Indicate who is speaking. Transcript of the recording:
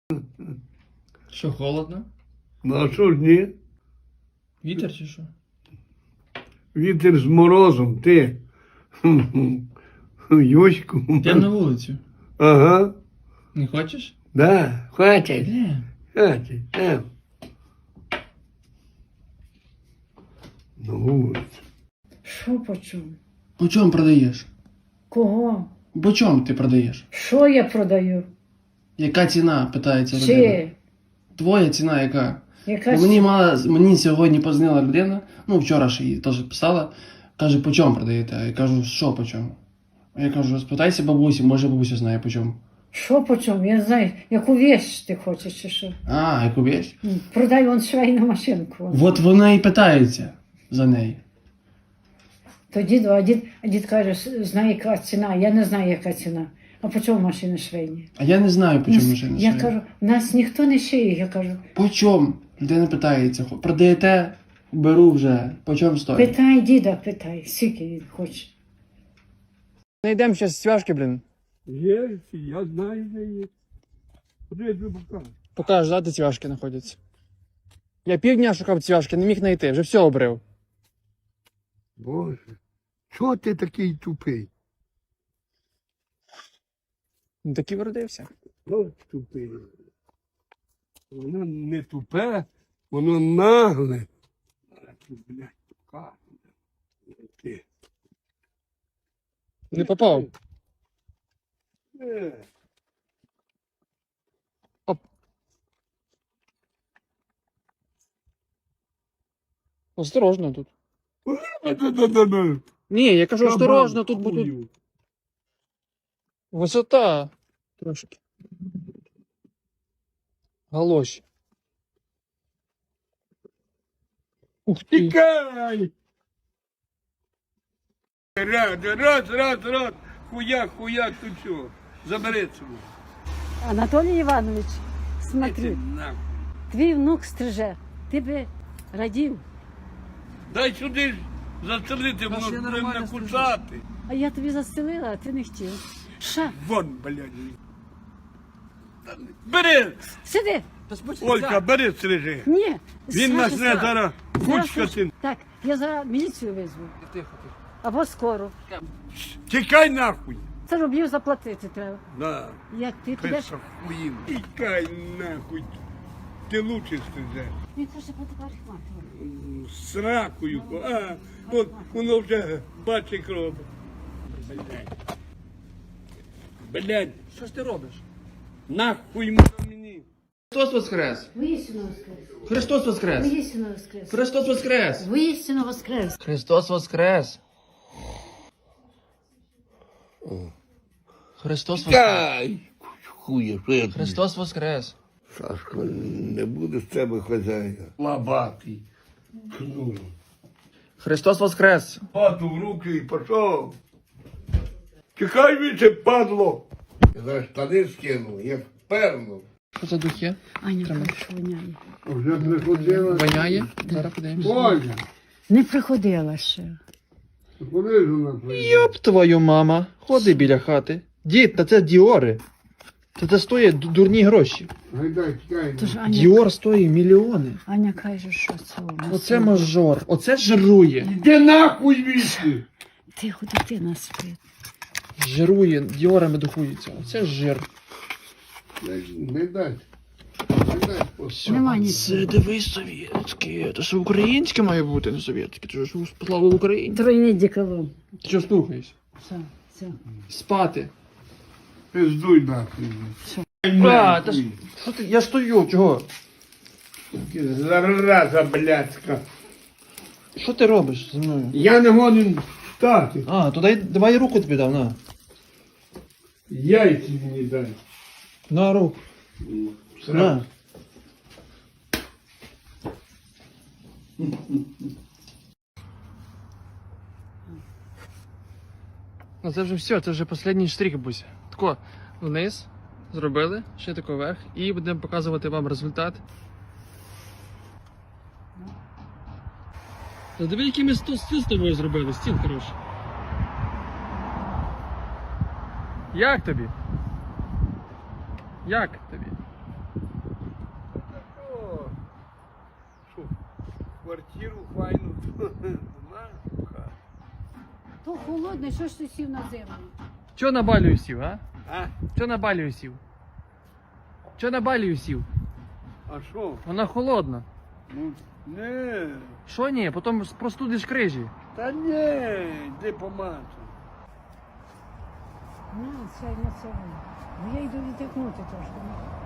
Speaker 1: Що, холодно?
Speaker 2: Ну а що ж ні?
Speaker 1: Вітер чи що?
Speaker 2: Вітер з морозом, ти. Юську.
Speaker 1: Йдемо на вулицю.
Speaker 2: Ага.
Speaker 1: Не хочеш?
Speaker 2: Да, хватить.
Speaker 1: Йдемо.
Speaker 2: Хватить. На вулицю.
Speaker 3: Що по чому?
Speaker 1: По чому продаєш?
Speaker 3: Кого?
Speaker 1: По чому ти продаєш?
Speaker 3: Що я продаю?
Speaker 1: Яка ціна, питається людина.
Speaker 3: Чи?
Speaker 1: Твоя ціна яка?
Speaker 3: Яка
Speaker 1: Бо мені сьогодні позвонила людина, ну вчора ж її теж писала, каже, по чому продаєте? А я кажу, що по чому? А я кажу, спитайся бабусі, може бабуся знає по чому.
Speaker 3: Що по чому? Я не знаю, яку вещь ти хочеш чи що?
Speaker 1: А, яку вещь?
Speaker 3: Продай вон швейну машинку. Вон.
Speaker 1: От вона і питається за неї.
Speaker 3: То дід каже, знає яка ціна. Я не знаю, яка ціна. А по чому машини швейні?
Speaker 1: А я не знаю, по чому машина
Speaker 3: Я
Speaker 1: шиє.
Speaker 3: кажу, нас ніхто не шиє. Я кажу,
Speaker 1: По чому? Людина питається, продаєте? Беру вже. По чому стоїть?
Speaker 3: питай діда, питай, скільки він хоче.
Speaker 1: Знайдемо зараз цвяшки, блін.
Speaker 2: Є, я знаю, де є. Куди я тобі покажу?
Speaker 1: Покажеш, да, де цвяшки знаходяться. Я півдня шукав цвяшки, не міг знайти, вже все обрив.
Speaker 2: Боже, чого ти такий тупий?
Speaker 1: Ну так і вродився.
Speaker 2: Ось тупий. Воно не тупе, воно нагле. А ти, блядь, покажу. Ти.
Speaker 1: Не попав.
Speaker 2: Е.
Speaker 1: Осторожно тут.
Speaker 2: Да-да-да-да.
Speaker 1: Ні, я кажу, осторожно, тут
Speaker 2: Кабан,
Speaker 1: будуть.
Speaker 2: хую.
Speaker 1: Висота. Трошки. Галоші. Ух ти.
Speaker 2: Тікай! Раз. Хуяк, тут що? Забери цього.
Speaker 3: Анатолій Іванович,
Speaker 2: Іди
Speaker 3: смотри,
Speaker 2: нахуй.
Speaker 3: твій внук стриже. Ти би радів.
Speaker 2: Дай сюди ж застрелити, воно
Speaker 1: ще
Speaker 2: буде
Speaker 1: нормально
Speaker 2: накусати.
Speaker 3: А я тобі застелила, а ти не хотів. Ша,
Speaker 2: Вон, блядь. Бери!
Speaker 3: сиди.
Speaker 2: Олька, бери стрижи.
Speaker 3: Ні.
Speaker 2: Він
Speaker 3: Саша,
Speaker 2: нас не
Speaker 3: Саша.
Speaker 2: зараз кучкати.
Speaker 3: Так, я зараз міліцію визву.
Speaker 1: Тихо.
Speaker 3: Або скоро.
Speaker 2: Тікай нахуй.
Speaker 3: Це рублів заплатити треба.
Speaker 2: Да.
Speaker 3: Як ти підеш?
Speaker 2: Писа хуїн. Тікай нахуй. Ти лучше стрижеш.
Speaker 3: Він каже, буде парикмахер.
Speaker 2: З ракою. А, от воно вже бачить кров. Блядь,
Speaker 1: Що ж ти робиш?
Speaker 2: нахуй мені.
Speaker 1: Христос воскрес!
Speaker 3: Воістину воскрес.
Speaker 1: Христос воскрес!
Speaker 3: Воістину воскрес.
Speaker 1: Христос воскрес!
Speaker 3: Воістину воскрес.
Speaker 1: Христос воскрес! Христос воскрес!
Speaker 2: Тікай! Хує, що я тобі?
Speaker 1: Христос воскрес!
Speaker 2: Сашко, не буде з тебе хазяїна. Лабатий. Кнуло.
Speaker 1: Христос воскрес!
Speaker 2: Пату в руки і пішов. Тікай віце, падло. Я зараз штани скину, як перну.
Speaker 1: Що це дух є?
Speaker 3: Аня, хорошо воняє.
Speaker 2: Вже приходила.
Speaker 1: Воняє? Зараз подивимося.
Speaker 2: Оля,
Speaker 3: Не приходила ще.
Speaker 2: куди ж вона приїхала?
Speaker 1: Йоп твою мама! Ходи біля хати. Дід, та це діори. Це стоїть дурні гроші.
Speaker 2: Гайдай, тікай.
Speaker 3: Тож Аня,
Speaker 1: Діор стоїть мільйони.
Speaker 3: Аня каже, що це у нас.
Speaker 1: Оце мажор. Оце жирує.
Speaker 2: Де нахуй віці?
Speaker 3: Тихо, дитина спить.
Speaker 1: Жирує, діорами духується. Оце жир.
Speaker 2: Не дай. Не дай.
Speaker 3: Нема нічого.
Speaker 1: Це дивись совєтське. Це ж українське має бути, не совєтське. Ти ж слава Україні.
Speaker 3: Тройний деколон.
Speaker 1: Ти що слухаєш?
Speaker 3: Все.
Speaker 1: Спати.
Speaker 2: Пиздуй нахуй.
Speaker 1: А, та ж, що ти? Я стою, чого?
Speaker 2: Зараза блядська.
Speaker 1: Що ти робиш зі мною?
Speaker 2: Я не гонен встати.
Speaker 1: А, то давай руку тобі дав, на.
Speaker 2: Яйці мені дай.
Speaker 1: На руку. На. Ну це вже все, це вже останній штрих, Буся. Тако вниз зробили, ще тако вверх і будемо показувати вам результат. Та диви, який ми стіл з тобою зробили, стіл хороший. Як тобі? Як тобі?
Speaker 2: квартиру файну. На, хату.
Speaker 3: То холодне, що ж ти сів на землю?
Speaker 1: Чо на балію сів, а?
Speaker 2: А?
Speaker 1: Чо на балію сів? Чо на балію сів?
Speaker 2: А що?
Speaker 1: Вона холодна.
Speaker 2: Ну, не.
Speaker 1: Що ні? Потім простудиш крижі.
Speaker 2: Та не, йди помацай.
Speaker 3: На, це на це. Ну я йду відтикнути трошки.